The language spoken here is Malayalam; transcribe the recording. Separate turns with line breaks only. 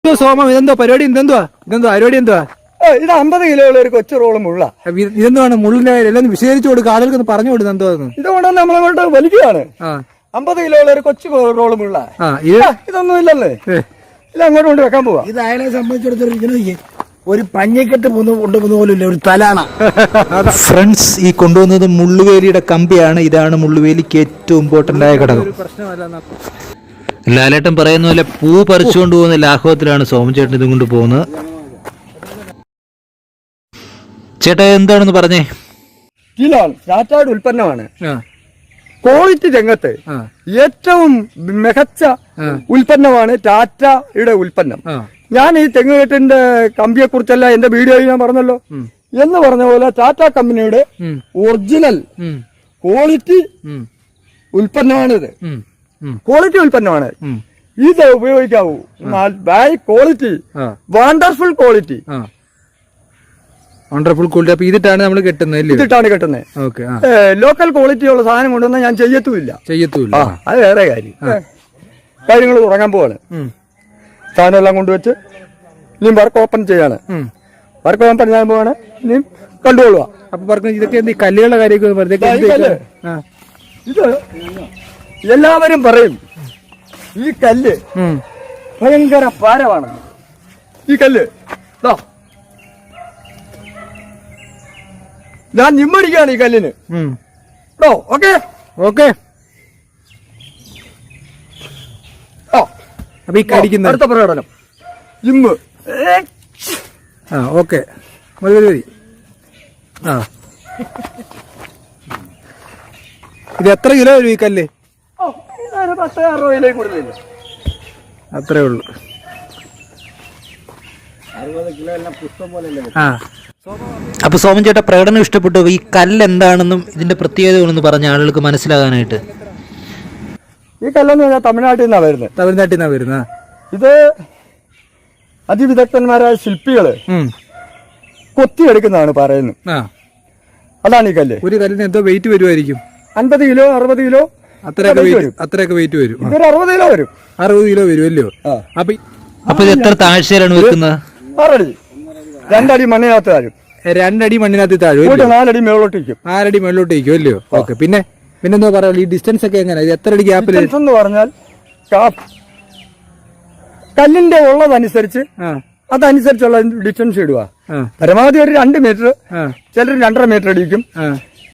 സോമം ഇതെന്തോ പരിപാടി? ഇതെന്തുവാ പരിപാടി? എന്തുവാ
ഇത് 50 കിലോയുള്ള ഒരു കൊച്ചു റോള് മുള്ള.
ഇതെന്താണ് മുള്ളിന്റെ എല്ലാം വിശദീകരിച്ചു കൊടുക്കുക, ആളുകൾക്ക് പറഞ്ഞു കൊടുക്കുക. എന്തോന്ന്
ഇതുകൊണ്ടാണ് നമ്മളങ്ങോട്ട് വലിക്കുകയാണ്. 50 കിലോയുള്ള ഒരു കൊച്ചു റോള് മുള്ള. ഇതൊന്നും ഇല്ലല്ലേ, ഇത് അങ്ങോട്ട് കൊണ്ട് വെക്കാൻ പോവാ.
ഇത് അയാളെ സംബന്ധിച്ചിടത്തോളം ഒരു പഞ്ഞക്കെട്ട് കൊണ്ടുപോകുന്ന പോലും ഒരു തലാണ.
ഫ്രണ്ട്സ്, ഈ കൊണ്ടുവന്നത് മുള്ളുവേലിയുടെ കമ്പിയാണ്. ഇതാണ് മുള്ളുവേലിക്ക് ഏറ്റവും ഇമ്പോർട്ടന്റ് ആയ ഘടകം. ലാലേട്ടൻ പറയുന്ന പോലെ പൂ പറിച്ചുകൊണ്ട് പോകുന്ന ലാഘവത്തിലാണ് സോമചേട്ടൻ ഇതും കൊണ്ട് പോകുന്നത്. ചേട്ടാ എന്താണെന്ന് പറഞ്ഞേ?
ടാറ്റയുടെ ഉൽപ്പന്നമാണ്. ക്വാളിറ്റി രംഗത്ത് ഏറ്റവും മികച്ച ഉൽപ്പന്നമാണ് ടാറ്റയുടെ ഉൽപ്പന്നം. ഞാൻ ഈ തെങ്ങുകെട്ടിന്റെ കമ്പിയെ കുറിച്ചല്ല എന്റെ വീഡിയോയിൽ ഞാൻ പറഞ്ഞല്ലോ എന്ന് പറഞ്ഞ പോലെ ടാറ്റ കമ്പനിയുടെ ഒറിജിനൽ ക്വാളിറ്റി ഉൽപ്പന്നമാണിത്. ക്വാളിറ്റി ഉൽപ്പന്നമാണ് ഇത്. ഉപയോഗിക്കാവൂ. Buy quality, wonderful quality.
Wonderful quality. അപ്പൊ ഇതിട്ടാണ് നമ്മൾ കെട്ടുന്നത്.
ഇതിട്ടാണ് കെട്ടുന്നത്. ലോക്കൽ ക്വാളിറ്റി ഉള്ള സാധനം കൊണ്ടുവന്നാൽ ഞാൻ ചെയ്യത്തുമില്ല. അത് വേറെ കാര്യങ്ങൾ തുടങ്ങാൻ പോവാണ്. സാധനം എല്ലാം കൊണ്ടുവച്ച് ഇനിയും വർക്ക് ഓപ്പൺ ചെയ്യാണ്. വർക്ക് ഓപ്പൺ ചെയ്യാൻ പോവാണ്. ഇനിയും കണ്ടുകൊള്ളുക.
അപ്പൊ പറഞ്ഞു ഇതൊക്കെ എന്ത് കല്ലുകളുടെ കാര്യമൊക്കെ
ഇത് എല്ലാവരും പറയും ഈ കല്ല് ഭയങ്കര ഭാരമാണ്. ഈ കല്ല് ഞാൻ നിമ്മടിക്കാണ് ഈ കല്ലിന്. Okay
okay. അപ്പൊ ഈ കടിക്കുന്ന
അടുത്ത പ്രകടനം ജിമ്മ്.
ഓക്കെ മതി. ഇത് എത്ര കിലോ വരും ഈ കല്ല്?
10-60 കിലോ കൂടുതലില്ല.
അത്രേ ഉള്ളു.
60 കിലോ എല്ലാം പുഷ്പം പോലെ.
അപ്പൊ സോമൻ ചേട്ടാ പ്രകടനം ഇഷ്ടപ്പെട്ടു. ഈ കല്ല് എന്താണെന്നും ഇതിന്റെ പ്രത്യേകതകളെന്ന് പറഞ്ഞ ആളുകൾക്ക് മനസ്സിലാകാനായിട്ട്.
ഈ കല്ലെന്ന് പറഞ്ഞാൽ തമിഴ്നാട്ടിൽ നിന്നാണ് വരുന്നത്. ഇത് അതിവിദഗ്ധന്മാരായ ശില്പികള് കൊത്തിയെടുക്കുന്നതാണ് പറയുന്നത്. അതാണ് ഈ കല്ല്.
ഒരു കല്ലിന് എന്തോ വെയിറ്റ് വരുമായിരിക്കും?
50 കിലോ 60 കിലോ
അത്രയൊക്കെ വെയിറ്റ് വരും.
ഇതൊരു 60 കിലോ വരും.
60 കിലോ വരുമല്ലോ. അപ്പൊ ഇത് എത്ര താഴ്ചയിലാണ് വെക്കുന്നത്?
6 അടി. 2 അടി മണ്ണിനകത്ത് താഴും.
2 അടി മണ്ണിനകത്ത് താഴും.
4 അടി മേളോട്ടേക്കും.
4 അടി മേളോട്ടേക്കും അല്ലയോ? ഓക്കെ. പിന്നെന്താ പറയാ, ഈ ഡിസ്റ്റൻസ് ഒക്കെ എങ്ങനെ? എത്ര അടി ഗ്യാപ്പിൽ
എന്ന് പറഞ്ഞാൽ കല്ലിന്റെ ഉള്ളതനുസരിച്ച് അതനുസരിച്ചുള്ള ഡിസ്റ്റൻസ് ഇടുക. പരമാവധി ഒരു 2 മീറ്റർ, ചിലർ 2.5 മീറ്റർ അടിക്കും,